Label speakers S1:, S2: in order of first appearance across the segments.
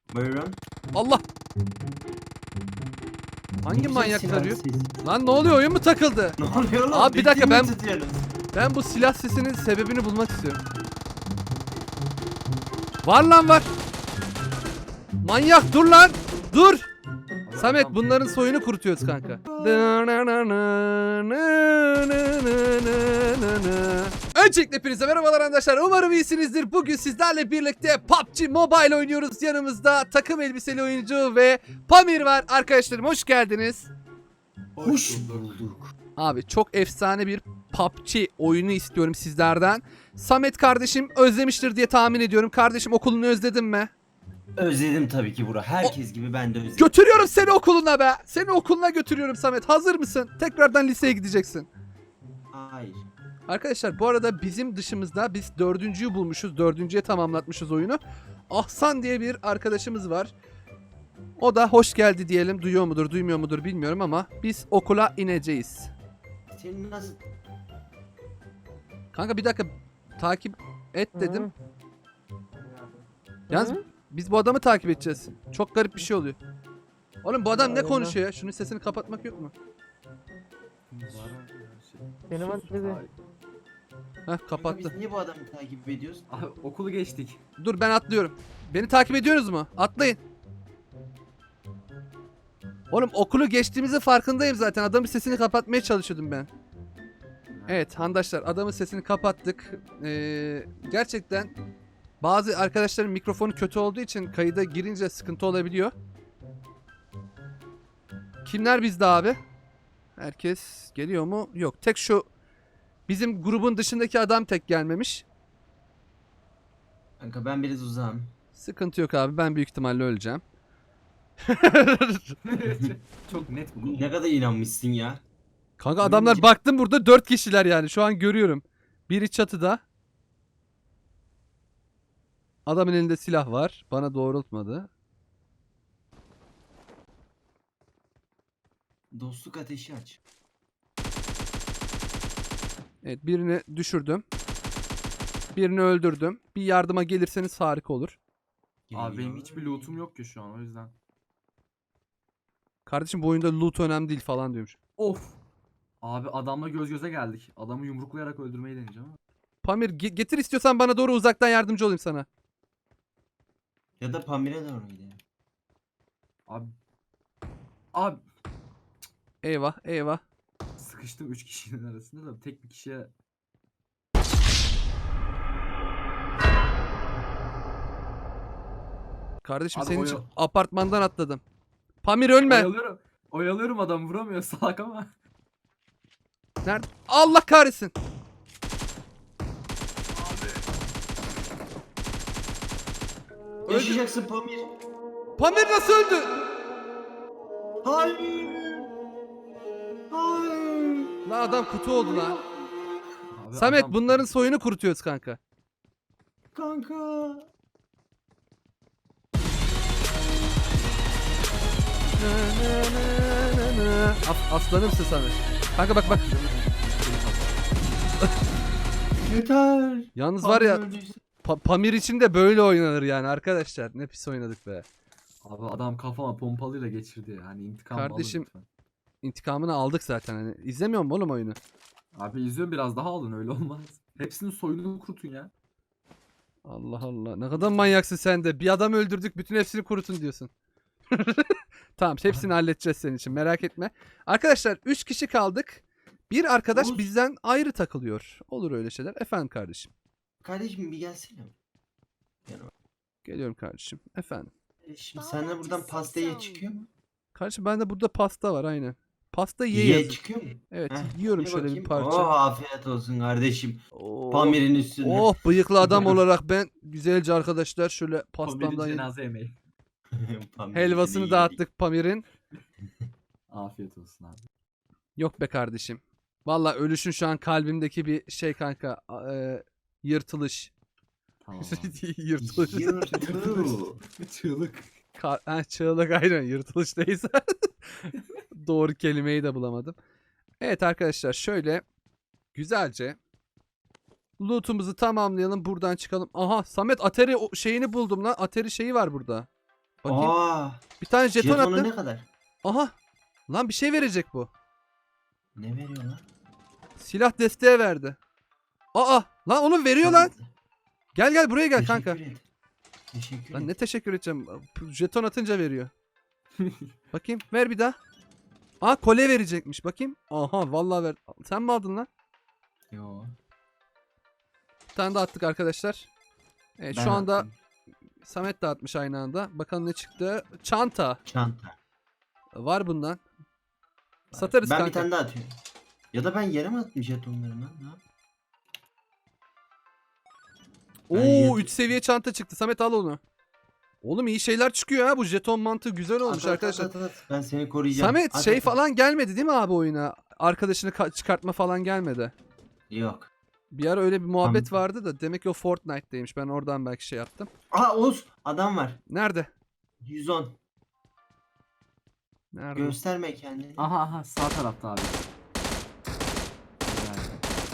S1: Buyurun.
S2: Allah. Hangi
S1: Güzel
S2: manyak
S1: silah
S2: tarıyor?
S1: sesi.
S2: Lan ne oluyor, oyun mu takıldı?
S1: Ne oluyor lan?
S2: Abi bir dakika,
S1: Bitti mi tutuyorsunuz?
S2: Ben bu silah sesinin sebebini bulmak istiyorum. Var lan var. Manyak dur lan. Dur. Samet bunların soyunu kurutuyoruz kanka. Öncelikle hepinize merhabalar arkadaşlar. Umarım iyisinizdir. Bugün sizlerle birlikte PUBG Mobile oynuyoruz. Yanımızda takım elbiseli oyuncu ve Pamir var. Arkadaşlarım hoş geldiniz.
S1: Hoş bulduk.
S2: Abi çok efsane bir PUBG oyunu istiyorum sizlerden. Samet kardeşim özlemiştir diye tahmin ediyorum. Kardeşim okulunu özledin mi?
S1: Özledim tabii ki Burak. Herkes gibi ben de özledim.
S2: Götürüyorum seni okuluna be. Seni okuluna götürüyorum Samet. Hazır mısın? Tekrardan liseye gideceksin.
S1: Hayır.
S2: Arkadaşlar bu arada bizim dışımızda biz dördüncüyü bulmuşuz. Dördüncüye tamamlatmışız oyunu. Ahsan diye bir arkadaşımız var. O da hoş geldi diyelim. Duyuyor mudur duymuyor mudur bilmiyorum ama biz okula ineceğiz.
S1: Senin nasıl...
S2: Kanka bir dakika takip et dedim. Yalnız biz bu adamı takip edeceğiz. Çok garip bir şey oluyor. Oğlum bu adam ne konuşuyor ya? Şunun sesini kapatmak yok mu?
S3: Benim dedi.
S2: Heh kapattı.
S1: Biz niye bu adamı takip ediyoruz?
S4: Abi okulu geçtik.
S2: Dur ben atlıyorum. Beni takip ediyorsunuz mu? Atlayın. Oğlum okulu geçtiğimizin farkındayım zaten. Adamın sesini kapatmaya çalışıyordum ben. Evet handaşlar adamın sesini kapattık. Gerçekten bazı arkadaşların mikrofonu kötü olduğu için kayıda girince sıkıntı olabiliyor. Kimler bizde abi? Herkes geliyor mu? Yok. Tek şu bizim grubun dışındaki adam tek gelmemiş.
S1: Kanka ben biraz uzağım.
S2: Sıkıntı yok abi. Ben büyük ihtimalle öleceğim.
S4: Çok net bu.
S1: Ne kadar inanmışsın ya.
S2: Kanka adamlar baktım burada 4 kişiler yani. Şu an görüyorum. Biri çatıda. Adamın elinde silah var. Bana doğrultmadı.
S1: Dostluk ateşi aç.
S2: Evet birini düşürdüm. Birini öldürdüm. Bir yardıma gelirseniz harika olur.
S4: Abi benim hiçbir lootum yok ki şu an o yüzden.
S2: Kardeşim bu oyunda loot önemli değil falan diyormuş.
S4: Of. Abi adamla göz göze geldik. Adamı yumruklayarak öldürmeyi deneyeceğim ama.
S2: Pamir getir istiyorsan bana doğru uzaktan yardımcı olayım sana.
S1: Ya da Pamir'e doğru gidelim.
S4: Abi. Abi.
S2: Eyvah eyvah.
S4: Sıkıştım 3 kişinin arasında da tek bir kişiye.
S2: Kardeşim
S4: Abi
S2: senin
S4: o
S2: için
S4: ya-
S2: apartmandan atladım. Pamir ölme.
S4: Oyalıyorum. Oyalıyorum adam vuramıyor salak ama.
S2: Nerede? Allah kahretsin.
S1: Yaşayacaksın Pamir.
S2: Pamir nasıl öldü?
S1: Hayır. Hayır.
S2: La adam kutu oldu lan.
S4: Abi
S2: Samet
S4: adam-
S2: bunların soyunu kurutuyoruz kanka.
S1: Kanka.
S2: Aslanımsın Samet. Kanka bak bak.
S1: Yeter.
S2: Yalnız var ya
S1: Pamir öldüyse-
S2: Pamir için de böyle oynanır yani arkadaşlar. Ne pis oynadık be.
S4: Abi adam kafama pompalıyla geçirdi. Hani intikam alın
S2: Kardeşim.
S4: lütfen.
S2: İntikamını aldık zaten. Hani izlemiyor musun oğlum oyunu?
S4: Abi izliyorum biraz daha alın öyle olmaz. Hepsinin soyunu kurutun ya.
S2: Allah Allah. Ne kadar manyaksın sen de. Bir adam öldürdük bütün hepsini kurutun diyorsun. Tamam hepsini halledeceğiz senin için merak etme. Arkadaşlar 3 kişi kaldık. Bir arkadaş
S1: Oğuz.
S2: bizden ayrı takılıyor. Olur öyle şeyler. Efendim kardeşim.
S1: Kardeşim bir gelsene.
S2: Geliyorum kardeşim. Efendim.
S1: Şimdi senden buradan pastaya çıkıyor mu?
S2: Kardeşim bende burada pasta var aynen. Pasta ye
S1: Ye
S2: yazıyor.
S1: çıkıyor mu?
S2: Evet
S1: Heh,
S2: yiyorum
S1: ye
S2: şöyle bir
S1: bakayım.
S2: parça.
S1: Oh afiyet olsun kardeşim.
S2: Oh,
S1: Pamir'in üstüne.
S2: oh bıyıklı adam olarak ben güzelce arkadaşlar şöyle
S4: Pamir'in
S2: pastamdan yedim.
S4: cenaze yemeği.
S1: Pamir'in
S2: Helvasını
S1: yedik.
S2: dağıttık Pamir'in.
S4: Afiyet olsun abi.
S2: Yok be kardeşim. Valla ölüşün şu an kalbimdeki bir şey kanka. Yırtılış.
S4: Tamam abi.
S2: Yırtılış.
S1: Yırtıl.
S4: Çığlık.
S2: Çığlık aynen yırtılış neyse. Doğru kelimeyi de bulamadım. Evet arkadaşlar şöyle güzelce loot'umuzu tamamlayalım buradan çıkalım. Aha Samet Atari şeyini buldum lan. Atari şeyi var burada. Bakayım.
S1: Aa,
S2: Bir tane jeton
S1: jetonu
S2: attı.
S1: ne kadar?
S2: Aha. Lan bir şey verecek bu.
S1: Ne veriyor lan?
S2: Silah desteği verdi. Aa. Lan onu veriyor lan.
S1: Tamam.
S2: Gel gel buraya gel
S1: Teşekkür
S2: kanka.
S1: et. Teşekkür
S2: Lan
S1: et.
S2: ne teşekkür edeceğim. Jeton atınca veriyor. Bakayım ver bir daha. Aa kolye verecekmiş bakayım. Aha vallahi ver. Sen mi aldın lan?
S1: Yo.
S2: Bir tane daha attık arkadaşlar. Evet
S1: ben
S2: şu anda
S1: attım.
S2: Samet de atmış aynı anda. Bakalım ne çıktı. Çanta.
S1: Çanta.
S2: Var bundan. Satarız
S1: ben
S2: kanka.
S1: bir tane daha atıyorum. Ya da ben yere mi attım jetonları lan? Ne yapayım? Ben
S2: Oo
S1: jet-
S2: 3 seviye çanta çıktı. Samet al onu. Oğlum iyi şeyler çıkıyor ha. Bu jeton mantığı güzel olmuş
S1: At, at,
S2: arkadaşlar.
S1: at, at, at. Ben seni koruyacağım.
S2: Samet
S1: At,
S2: şey
S1: at, at.
S2: falan gelmedi değil mi abi oyuna? Arkadaşını çıkartma falan gelmedi.
S1: Yok.
S2: Bir ara öyle bir muhabbet
S1: Tamam.
S2: vardı da demek ki o Fortnite'daymış. Ben oradan belki şey yaptım.
S1: Aa Oğuz adam var.
S2: Nerede?
S1: 110.
S2: Nerede?
S1: Gösterme kendini.
S4: Aha sağ tarafta abi. Yani.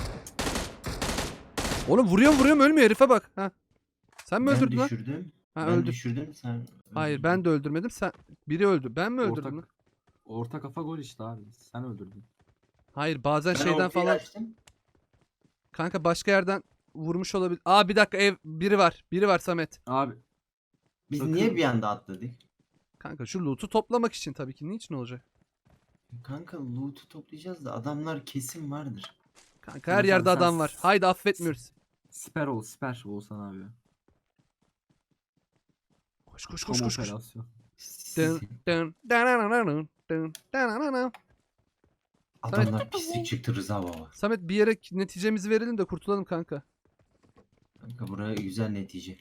S2: Oğlum vuruyorum ölmüyor herife bak. Ha. Sen mi
S1: Ben
S2: öldürdün lan?
S1: düşürdüm.
S2: Ha
S1: ben
S2: öldüm.
S1: düşürdüm sen.
S2: Hayır
S1: öldürdün.
S2: ben de öldürmedim. Sen biri öldü. Ben mi öldürdüm lan?
S4: Orta kafa gol işte abi. Sen öldürdün.
S2: Hayır bazen
S1: Ben
S2: şeyden
S1: ortayı
S2: falan
S1: açtım.
S2: kanka başka yerden vurmuş olabilir. Aa bir dakika ev biri var. Biri var Samet.
S4: Abi
S1: Biz
S4: Bakın.
S1: niye bir anda atladık?
S2: Kanka şu loot'u toplamak için tabii ki. Niçin olacak?
S1: Kanka loot'u toplayacağız da adamlar kesin vardır.
S2: Kanka her
S4: Samet
S2: yerde
S4: abi, sen
S2: adam var. Haydi affetmiyoruz.
S4: siper Oğuzhan abi.
S2: Koş koş
S4: Tam
S2: koş koş. Koş.
S4: operasyon.
S2: Dın, dın, dananana, dın, dananana.
S1: Adamlar pislik çıktı Rıza baba.
S2: Samet bir yere neticemizi verelim de kurtulalım kanka.
S1: Kanka buraya güzel netice.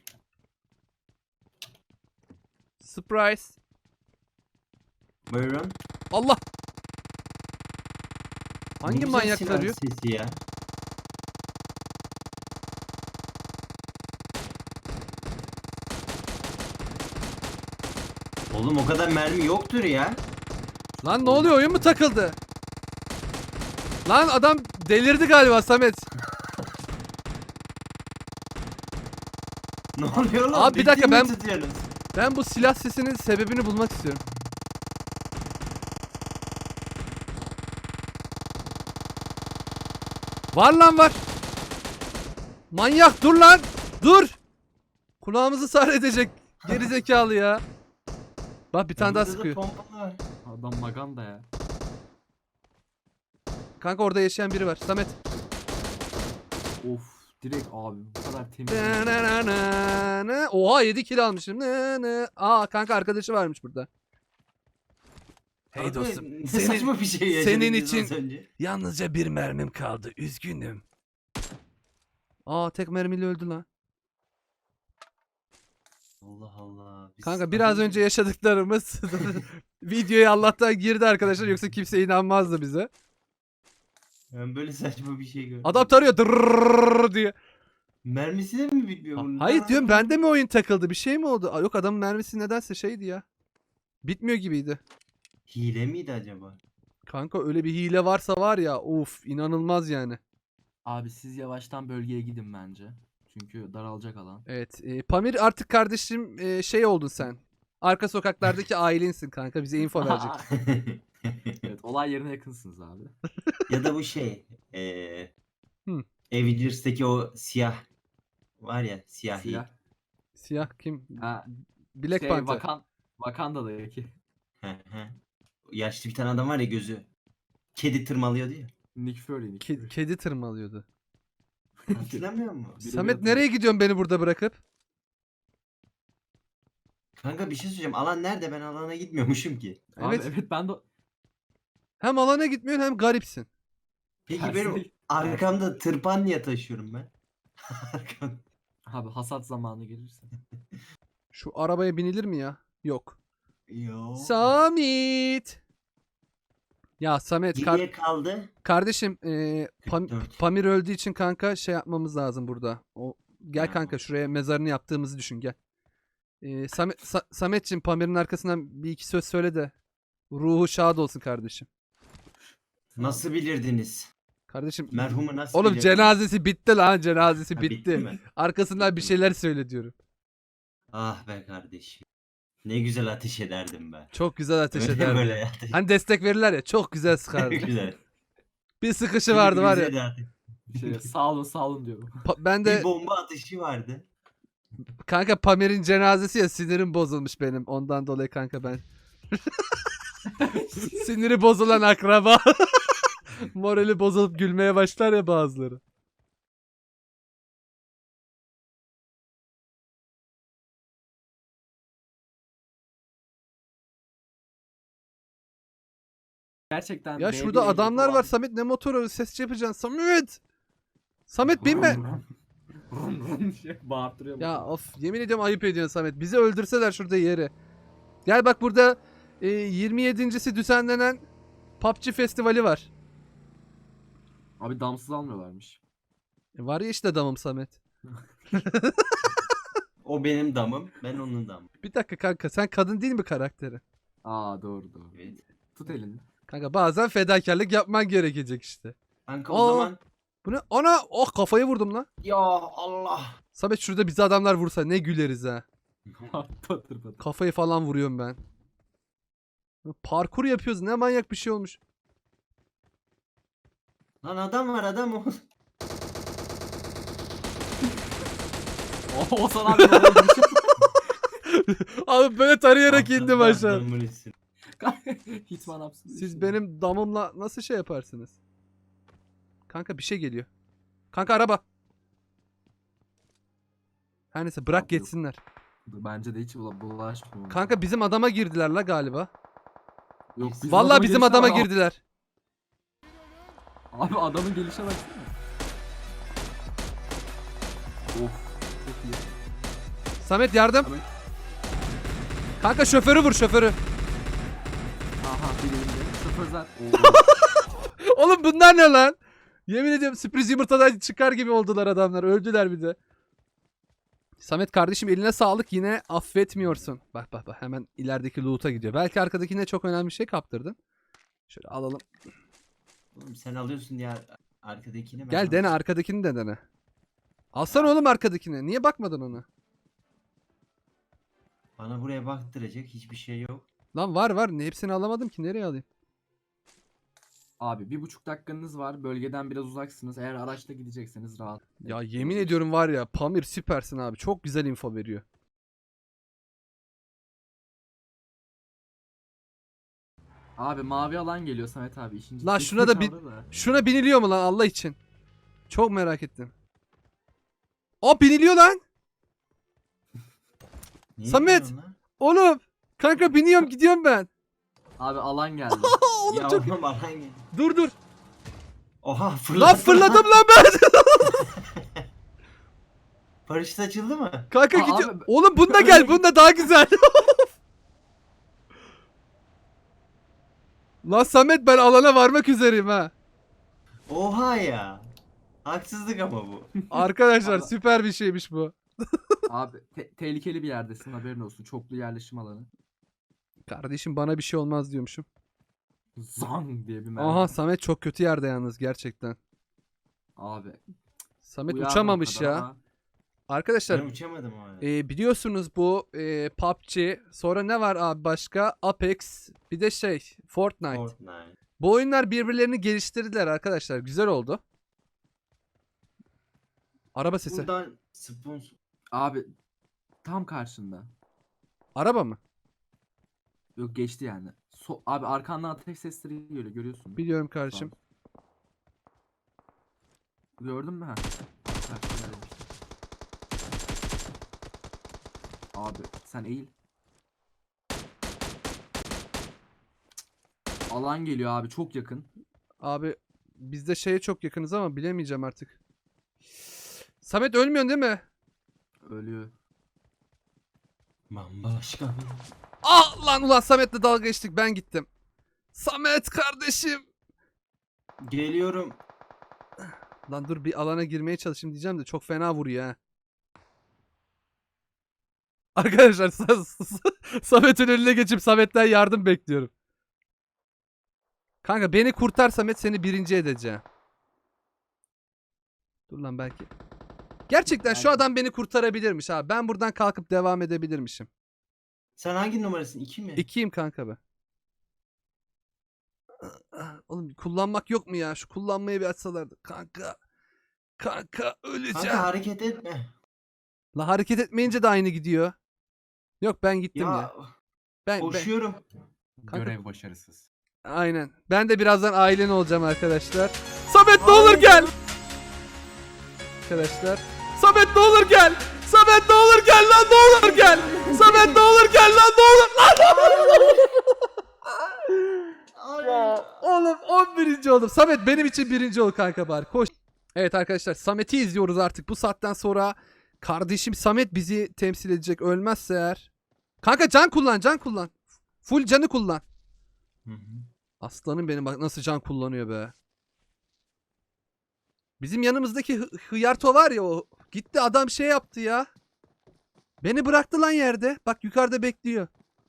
S2: Surprise.
S1: Buyurun.
S2: Allah.
S1: Ne
S2: Hangi
S1: güzel
S2: manyak
S1: silah
S2: tarıyor?
S1: sesi ya. Oğlum o kadar mermi yoktur ya.
S2: Lan ne oluyor oyun mu takıldı? Lan adam delirdi galiba Samet.
S1: Ne oluyor lan?
S2: Abi bir dakika,
S1: Ciddi mi
S2: ben-
S1: tutuyorsunuz?
S2: Ben bu silah sesinin sebebini bulmak istiyorum. Var lan var. Manyak dur lan. Dur. Kulağımızı sar edecek. Geri zekalı ya. Bak bir tane daha
S1: Burada da
S2: sıkıyor.
S1: pompa var.
S4: Adam maganda ya.
S2: Kanka orada yaşayan biri var. Samet.
S4: Of direkt abi bu kadar temiz.
S2: Na. Oha 7 kill almışım. Aa kanka arkadaşı varmış burada. Hey
S1: Abi,
S2: dostum.
S1: ne
S2: Senin,
S1: saçma bir şey yaşadık
S2: senin
S1: biz
S2: için-
S1: az önce.
S2: yalnızca bir mermim kaldı. Üzgünüm. Aa tek mermiyle öldü lan.
S1: Allah Allah. Biz
S2: Kanka
S1: az
S2: biraz önce yaşadıklarımız videoya Allah'tan girdi arkadaşlar, yoksa kimse inanmazdı bize.
S1: Ben böyle saçma bir şey gördüm.
S2: Adam tarıyor dırrrr diye.
S1: Mermisi de mi bitmiyor bunun?
S2: Hayır diyorum, bende mi oyun takıldı, bir şey mi oldu? Aa, yok adamın mermisi nedense şeydi ya. Bitmiyor gibiydi.
S1: Hile miydi acaba?
S2: Kanka öyle bir hile varsa var ya, of inanılmaz yani.
S4: Abi siz yavaştan bölgeye gidin bence. Çünkü daralacak alan.
S2: Evet Pamir artık kardeşim şey oldun sen. Arka sokaklardaki ailensin kanka, bize info verecek.
S4: Evet olay yerine yakınsınız abi.
S1: Ya da bu şey.
S2: Hı.
S1: Avengers'taki o siyah var ya, siyahi.
S4: Siyah.
S2: Siyah kim?
S4: Ha,
S2: Black
S4: şey,
S2: Panther.
S4: Wakanda'daki.
S1: He, he. Yaşlı bir tane adam var ya, gözü kedi tırmalıyordu ya.
S4: Nick Fury. Nick Fury.
S2: Kedi tırmalıyordu.
S1: Hatırlamıyor musun?
S4: Biri
S2: Samet
S4: biraz-
S2: nereye gidiyorsun beni burada bırakıp?
S1: Kanka bir şey söyleyeceğim. Alan nerede? Ben alana gitmiyormuşum ki.
S4: Abi,
S2: Evet.
S4: evet ben de
S2: Hem alana gitmiyorsun hem garipsin.
S1: Peki
S4: Tersine
S1: benim
S4: git-
S1: arkamda tırpan niye taşıyorum ben? Arkamda.
S4: abi hasat zamanı gelirse.
S2: Şu arabaya binilir mi ya? Yok.
S1: Yo.
S2: Samet. Ya Samet
S1: Geriye kaldı.
S2: kardeşim
S1: 44.
S2: Pamir öldüğü için kanka şey yapmamız lazım burada. O gel
S1: Ha.
S2: kanka şuraya mezarını yaptığımızı düşün, gel. Sametçim Pamir'in arkasından bir iki söz söyle de ruhu şad olsun kardeşim.
S1: Nasıl bilirdiniz?
S2: Kardeşim
S1: Merhumu nasıl
S2: oğlum
S1: bilirdiniz?
S2: cenazesi bitti lan, cenazesi
S1: Ha,
S2: bitti.
S1: mi?
S2: Arkasından bir şeyler söyle diyorum.
S1: Ah be kardeşim. Ne güzel ateş ederdim ben.
S2: Çok güzel ateş
S1: Öyle
S2: ederdi.
S1: böyle ateş.
S2: Hani destek verirler ya, çok güzel sıkardı.
S1: Güzel.
S2: Bir sıkışı
S1: Şimdi
S2: vardı var
S1: bize
S2: ya.
S1: de ateş.
S4: Bir şey sağ olun diyorum.
S2: Ben
S1: Bir
S2: de
S1: bomba ateşi vardı.
S2: kanka Pamir'in cenazesi ya, sinirim bozulmuş benim. Ondan dolayı kanka ben. Siniri bozulan akraba. Morali bozulup gülmeye başlar ya bazıları.
S4: Gerçekten
S2: Ya
S4: B1
S2: şurada
S4: ehliyeti
S2: adamlar
S4: olan-
S2: var Samet, ne motoru ses yapacaksın Samet. Samet binme.
S4: Bağırttırıyor.
S2: Ya of, yemin ediyorum ayıp ediyorsun Samet. Bizi öldürseler şurada yeri. Gel bak burada 27.si düzenlenen PUBG festivali var.
S4: Abi damsız almıyorlarmış.
S2: Var ya işte damım Samet.
S1: O benim damım. Ben onun damım.
S2: Bir dakika kanka, sen kadın değil mi karakteri?
S4: Aa doğru.
S1: Evet.
S4: Tut elini.
S2: Kanka bazen fedakarlık yapman gerekecek işte.
S1: Kanka
S2: Aa.
S1: o zaman.
S2: Bu ne? Ana! Oh, kafayı vurdum lan.
S1: Ya Allah.
S2: Samet şurada bizi adamlar vursa ne güleriz ha.
S4: Patır patır.
S2: Kafayı falan vuruyorum ben. Parkur yapıyoruz, ne manyak bir şey olmuş.
S1: Lan adam var adam o.
S4: Oğuzhan abi ne oldu?
S2: Abi böyle tarayarak indim
S1: Atladı
S2: aşağı.
S1: adamın üstüne.
S4: Hitman yapsın.
S2: Siz benim damımla nasıl şey yaparsınız? Kanka bir şey geliyor. Kanka araba. Her neyse bırak
S4: Abi yok.
S2: geçsinler.
S4: Bence de hiç bulaşmıyor.
S2: Kanka bizim adama girdiler la galiba.
S4: Yok,
S2: Vallahi
S4: adamın
S2: bizim
S4: gelişine
S2: adama
S4: bak.
S2: girdiler.
S4: Abi adamın gelişe baksana. Of. Çok iyi.
S2: Samet yardım.
S4: Samet.
S2: Kanka şoförü vur, şoförü.
S4: Aha bir elinde. Şoförler.
S2: Oğlum bunlar ne lan? Yemin ediyorum sürpriz yumurtadan çıkar gibi oldular adamlar. Öldüler bir de. Samet kardeşim eline sağlık, yine affetmiyorsun. Bak bak bak, hemen ilerideki loot'a gidiyor. Belki arkadakine çok önemli bir şey kaptırdın. Şöyle alalım.
S1: Oğlum sen alıyorsun diye arkadakini ben
S2: Gel dene arkadakini de dene. Alsana oğlum arkadakini. Niye bakmadın ona?
S1: Bana buraya baktıracak hiçbir şey yok.
S2: Lan var var. Hepsini alamadım ki. Nereye alayım?
S4: Abi 1,5 dakikanız var. Bölgeden biraz uzaksınız. Eğer araçla gidecekseniz rahat.
S2: Ya yemin ediyorum var ya, Pamir süpersin abi. Çok güzel info veriyor.
S4: Abi mavi alan geliyor Samet abi. İşin
S2: Lan
S4: ciddiyetini
S2: şuna da bir-
S4: kavra da.
S2: Şuna biniliyor mu lan Allah için? Çok merak ettim. Aa, biniliyor lan.
S1: Niye
S2: Samet!
S1: gidiyorsun lan?
S2: Oğlum. Kanka biniyorum, gidiyorum ben.
S4: Abi alan geldi.
S2: Oğlum
S1: Ya
S2: çok...
S1: oğlum alan gel.
S2: Dur dur.
S1: Oha fırlattın.
S2: Lan fırladım lan ben.
S1: Paraşüt açıldı mı?
S2: Kanka
S4: Aa,
S2: gidiyor.
S4: abi-
S2: Oğlum bunda gel. Bunda daha güzel. Lan Samet, ben alana varmak üzereyim ha.
S1: Oha ya. Haksızlık ama bu.
S2: Arkadaşlar
S4: Allah.
S2: süper bir şeymiş bu.
S4: Abi tehlikeli bir yerdesin, haberin olsun. Çoklu yerleşim alanı.
S2: Kardeşim bana bir şey olmaz diyormuşum.
S4: Zang diye bir mermi.
S2: Aha, Samet çok kötü yerde yalnız gerçekten.
S4: Abi.
S2: Samet
S4: uyardım o
S2: uçamamış
S4: kadar
S2: ya.
S4: ama
S2: Arkadaşlar
S1: Ben uçamadım o arada.
S2: biliyorsunuz bu PUBG, sonra ne var abi başka? Apex, bir de Fortnite.
S1: Fortnite.
S2: Bu oyunlar birbirlerini geliştirdiler arkadaşlar. Güzel oldu. Araba sesi.
S1: Buradan sponsor.
S4: Abi tam karşında.
S2: Araba mı?
S4: Yok, geçti yani. Abi arkandan ateş sesleri geliyor, görüyorsun.
S2: Biliyorum kardeşim.
S4: Gördün mü? Ha. Abi sen eğil. Alan geliyor abi, çok yakın.
S2: Abi biz de şeye çok yakınız ama bilemeyeceğim artık. Samet ölmüyorsun değil mi?
S4: Ölüyor.
S1: Bambaşka bir.
S2: Ah lan, ulan Samet'le dalga geçtik, ben gittim. Samet kardeşim.
S1: Geliyorum.
S2: Lan dur, bir alana girmeye çalışayım diyeceğim de çok fena vuruyor ha. Arkadaşlar Samet'in önüne geçip Samet'ten yardım bekliyorum. Kanka beni kurtar Samet, seni birinci edeceğim. Dur lan belki. Gerçekten şu
S4: Belki.
S2: adam beni kurtarabilirmiş ha. Ben buradan kalkıp devam edebilirmişim.
S1: Sen hangi numarasın? 2 mi?
S2: 2'yim kanka ben. Oğlum kullanmak yok mu ya? Şu kullanmayı bir açsalardı. Kanka. Kanka öleceğim.
S1: Kanka hareket etme.
S2: La hareket etmeyince de aynı gidiyor. Yok ben gittim ya. Ben
S1: Koşuyorum.
S2: Kanka-
S4: Görev başarısız.
S2: aynen. Ben de birazdan ailen olacağım arkadaşlar. Samet ne olur gel. Arkadaşlar. Samet ne olur gel. Samet ne olur gel lan ne olur gel. Samet ne olur gel lan ne olur lan. Ya, oğlum 11. oldum. Samet benim için 1. ol kanka bari. Koş. Evet arkadaşlar Samet'i izliyoruz artık. Bu saatten sonra kardeşim Samet bizi temsil edecek. Ölmezse eğer. Kanka can kullan. Full canı kullan.
S1: Hı hı.
S2: Aslanım benim bak nasıl can kullanıyor be. Bizim yanımızdaki Hıyarto var ya o. Gitti adam şey yaptı ya. Beni bıraktı lan yerde. Bak yukarıda bekliyor.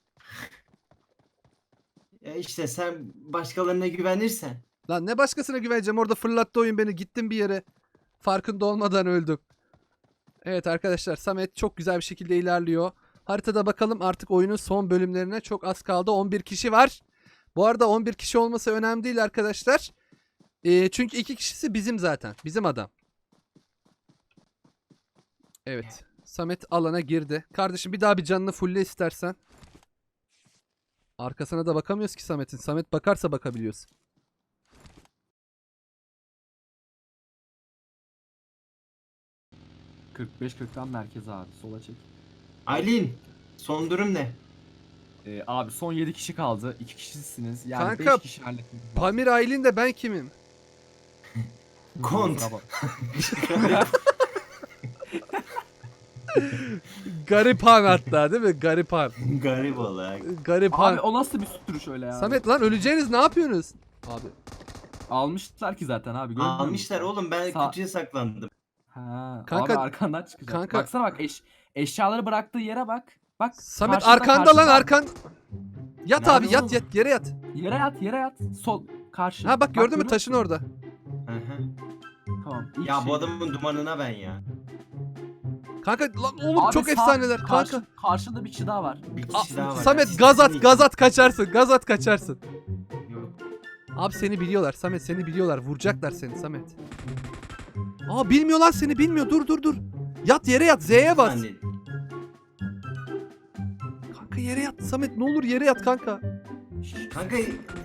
S1: İşte sen başkalarına güvenirsen.
S2: Lan ne başkasına güveneceğim orada fırlattı oyun beni. Gittim bir yere. Farkında olmadan öldüm. Evet arkadaşlar Samet çok güzel bir şekilde ilerliyor. Haritada bakalım artık oyunun son bölümlerine çok az kaldı. 11 kişi var. Bu arada 11 kişi olması önemli değil arkadaşlar. Çünkü 2 kişisi bizim zaten. Bizim adam. Evet. Samet alana girdi. Kardeşim bir daha bir canını fulle istersen. Arkasına da bakamıyoruz ki Samet'in. Samet bakarsa bakabiliyoruz.
S4: ...45-40'tan merkeze abi. Sola çek.
S1: Aylin, son durum ne?
S4: Abi son 7 kişi kaldı. 2 kişisiniz. Yani
S2: Kanka,
S4: 5 kişi halletmek lazım.
S2: Pamir Aylin de ben kimim?
S1: Kont.
S4: Kusura bak.
S2: Garipan hatta değil mi? Garipan.
S1: Garip olarak.
S2: Garipan.
S4: Abi o nasıl bir sürüş öyle ya?
S2: Samet lan öleceğiniz ne yapıyorsunuz? Abi.
S4: Almışlar ki zaten abi. görmüyor musun?
S1: Almışlar oğlum, ben
S4: Sağ-
S1: kutuya saklandım.
S4: Ha,
S2: Kanka-
S4: abi arkandan çıkacak.
S2: kanka-
S4: Baksana bak eşyaları bıraktığı yere bak. Bak.
S2: Samet
S4: karşıda,
S2: arkanda lan
S4: karşıda.
S2: arkan. Yat
S1: Nerede
S2: abi yat
S1: oğlum?
S2: yat yere yat.
S4: Yere yat. Sol karşı.
S2: Ha bak gördün mü
S4: görüyor
S2: taşın
S4: musun?
S2: orada.
S1: Hı hı.
S4: Tamam. ilk
S1: Ya
S4: şey-
S1: bu adamın dumanına ben ya.
S2: Kanka lan oğlum
S4: Abi
S2: çok
S4: sağ-
S2: efsaneler kanka.
S4: Karşında bir kişi daha var.
S1: Bir
S2: Aa,
S1: kişi daha var.
S2: Samet
S1: ya.
S2: gaz at kaçarsın. Gaz at kaçarsın.
S1: Yok.
S2: Abi seni biliyorlar Samet seni biliyorlar. Vuracaklar seni Samet. Aa bilmiyor lan seni bilmiyor. Dur. Yat yere yat Z'ye bas.
S1: Zannet-
S2: Kanka yere yat Samet ne olur yere yat kanka.
S1: Kanka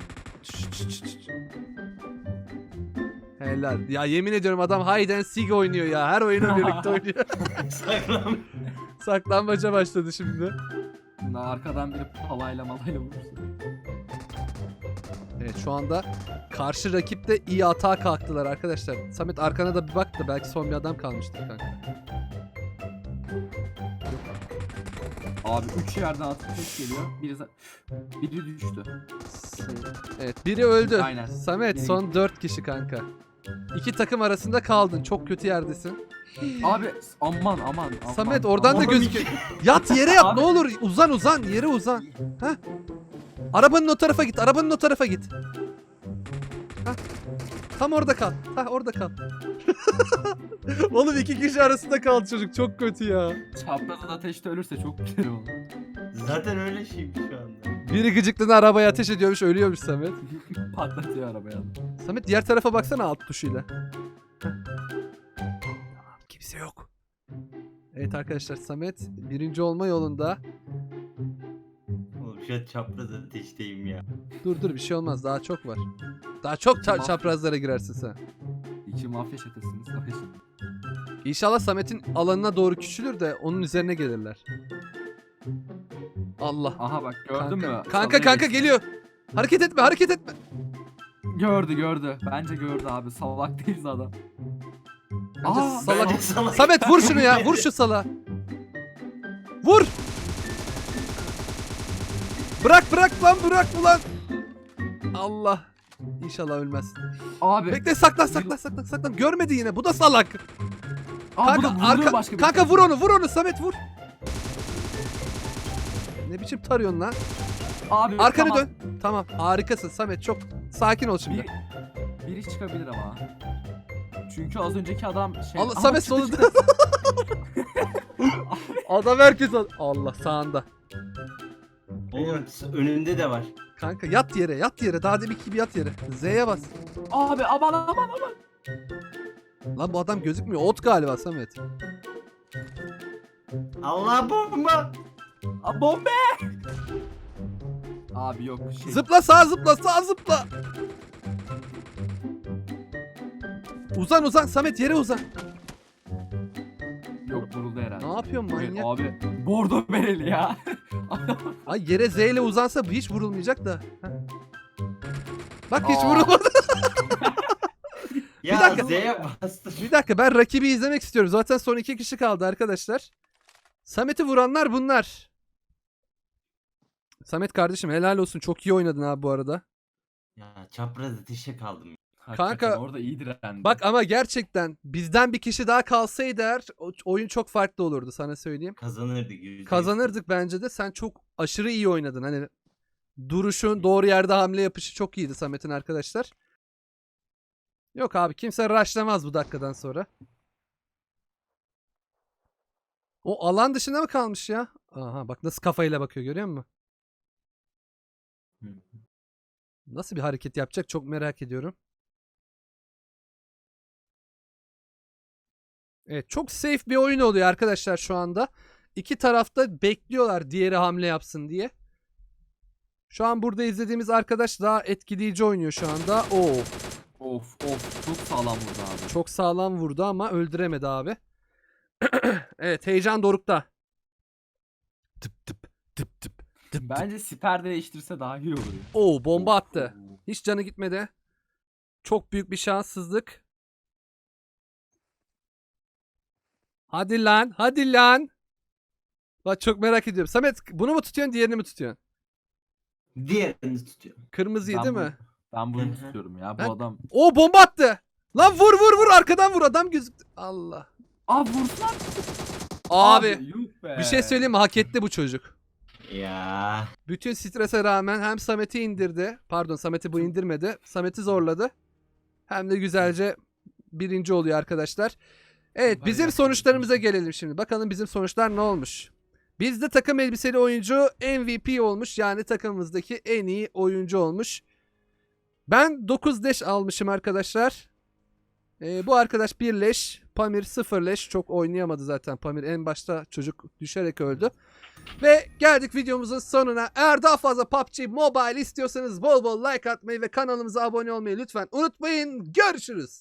S2: Helal. Ya yemin ediyorum adam hide and seek oynuyor ya. Her oyunu birlikte oynuyor.
S1: saklan.
S2: Saklambaca başladı şimdi.
S4: Arkadan biri palayla malayla vurursun.
S2: Evet şu anda karşı rakip de iyi atağa kalktılar arkadaşlar. Samet arkana da bir bak da belki son bir adam kalmıştır kanka.
S4: Abi 3 yerden atıp tek geliyor. Biri düştü.
S2: Evet biri öldü.
S4: Aynen.
S2: Samet
S4: Yine
S2: son 4 kişi kanka. 2 takım arasında kaldın. Çok kötü yerdesin.
S4: Abi aman.
S2: Samet oradan da
S1: Aman.
S2: gözüküyor. Yat yere yat
S4: Abi.
S2: ne olur. Uzan yere uzan. Heh. Arabanın o tarafa git. Heh. Tam orada kal. Orada kal. Oğlum 2 kişi arasında kaldı çocuk. Çok kötü ya.
S4: Çaprazın ateşte ölürse çok güzel olur.
S1: Zaten öyle şimdi şu anda.
S2: Biri gıcıklığına arabaya ateş ediyormuş. Ölüyormuş Samet.
S4: Patlatıyor arabaya.
S2: Samet diğer tarafa baksana alt tuşuyla. Heh. Tamam kimse yok. Evet arkadaşlar Samet 1. olma yolunda.
S1: Oğlum şu an çapraz ateşteyim ya.
S2: Dur bir şey olmaz daha çok var. Daha çok çaprazlara girersin sen.
S4: 2 mafya çetesiniz.
S2: İnşallah Samet'in alanına doğru küçülür de onun üzerine gelirler. Allah.
S4: Aha bak gördün mü?
S2: Kanka
S4: Salaya geçti.
S2: geliyor. Hareket etme.
S4: Gördü. Bence gördü abi. Salak değiliz adam.
S2: Bence
S4: Aa,
S2: salak.
S1: Bence salak.
S2: Samet vur şunu ya. Vur şu sala. Vur. Bırak ulan. Allah. İnşallah ölmez.
S4: Abi.
S2: Bekle saklan. Görmedi yine. Bu da salak.
S4: Aa, bu da
S2: Kanka
S4: vurdu başka bir
S2: kanka
S4: şey.
S2: vur onu Samet vur. Ne biçim tarıyorsun lan?
S4: Abi,
S2: Arkanı
S4: tamam.
S2: dön. Tamam harikasın Samet çok sakin ol şimdi.
S4: Biri çıkabilir ama. Çünkü az önceki adam şey...
S2: Allah,
S4: Aha,
S2: Samet
S4: çıktı,
S2: solunda.
S4: çıktı.
S2: Adam herkes Allah sağında.
S1: Oğlum önünde de var.
S2: Kanka yat yere, yat yere. Daha deminki gibi yat yere. Z'ye bas.
S4: Abi aman.
S2: Lan bu adam gözükmüyor. Ot galiba Samet.
S1: Allah bomba.
S4: Bombe. Abi yok şey.
S2: Zıpla sağa zıpla, sağa zıpla. Uzan Samet, yere uzan.
S4: Yok vuruldu herhalde.
S2: Ne yapıyorsun
S4: Evet,
S2: manyak?
S4: abi bordo bereli ya.
S2: Ay yere Z ile uzansa bu hiç vurulmayacak da. Heh. Bak hiç
S4: Aa.
S2: vurulmadı.
S1: Ya
S2: dakika.
S1: Z'ye bastım.
S2: Bir dakika, ben rakibi izlemek istiyorum. Zaten son 2 kişi kaldı arkadaşlar. Samet'i vuranlar bunlar. Samet kardeşim helal olsun. Çok iyi oynadın abi bu arada.
S1: Ya çapraz ateşe kaldım.
S4: Hakikaten
S2: Kanka,
S4: orada iyi direndi.
S2: Bak ama gerçekten bizden bir kişi daha kalsaydı eğer oyun çok farklı olurdu, sana söyleyeyim.
S1: Kazanırdık %100.
S2: Kazanırdık bence de. Sen çok aşırı iyi oynadın. Hani duruşun, doğru yerde hamle yapışı çok iyiydi Samet'in arkadaşlar. Yok abi, kimse rushlamaz bu dakikadan sonra. O alan dışında mı kalmış ya? Aha bak nasıl kafayla bakıyor, görüyor musun?
S1: Hı.
S2: Nasıl bir hareket yapacak çok merak ediyorum. Evet, çok safe bir oyun oluyor arkadaşlar şu anda. İki tarafta bekliyorlar diğeri hamle yapsın diye. Şu an burada izlediğimiz arkadaş daha etkileyici oynuyor şu anda. Oo,
S4: Of çok sağlam vurdu abi.
S2: çok sağlam vurdu ama öldüremedi abi. Evet, heyecan dorukta. Tıp tıp tıp tıp tıp.
S4: Bence siper değiştirse daha iyi olur ya.
S2: Oo, bomba attı.
S4: Oo.
S2: Hiç canı gitmedi. Çok büyük bir şanssızlık. Hadi lan, hadi lan. Bak çok merak ediyorum. Samet, bunu mu tutuyorsun, diğerini mi tutuyorsun?
S1: Diğerini tutuyor.
S2: Kırmızıyı
S4: Ben
S2: değil
S4: bu-
S2: mi?
S4: Ben bunu
S1: Hı hı.
S4: tutuyorum ya. Bu
S2: Ben-
S4: adam.
S2: O bomba attı. Lan vur arkadan vur, adam gözüktü. Allah.
S4: Vursun.
S2: Abi
S4: yuh be.
S2: bir şey söyleyeyim mi? Hak etti bu çocuk.
S1: Ya.
S2: Bütün strese rağmen hem Samet'i indirdi. Pardon, Samet'i bu indirmedi. Samet'i zorladı. Hem de güzelce birinci oluyor arkadaşlar. Evet, bizim
S4: Bayağı
S2: sonuçlarımıza gelelim şimdi. Bakalım bizim sonuçlar ne olmuş? Bizde takım elbiseli oyuncu MVP olmuş. Yani takımımızdaki en iyi oyuncu olmuş. Ben 9 leş almışım arkadaşlar. Bu arkadaş 1 leş. Pamir 0 leş. Çok oynayamadı zaten Pamir. En başta çocuk düşerek öldü. Ve geldik videomuzun sonuna. Eğer daha fazla PUBG Mobile istiyorsanız bol bol like atmayı ve kanalımıza abone olmayı lütfen unutmayın. Görüşürüz.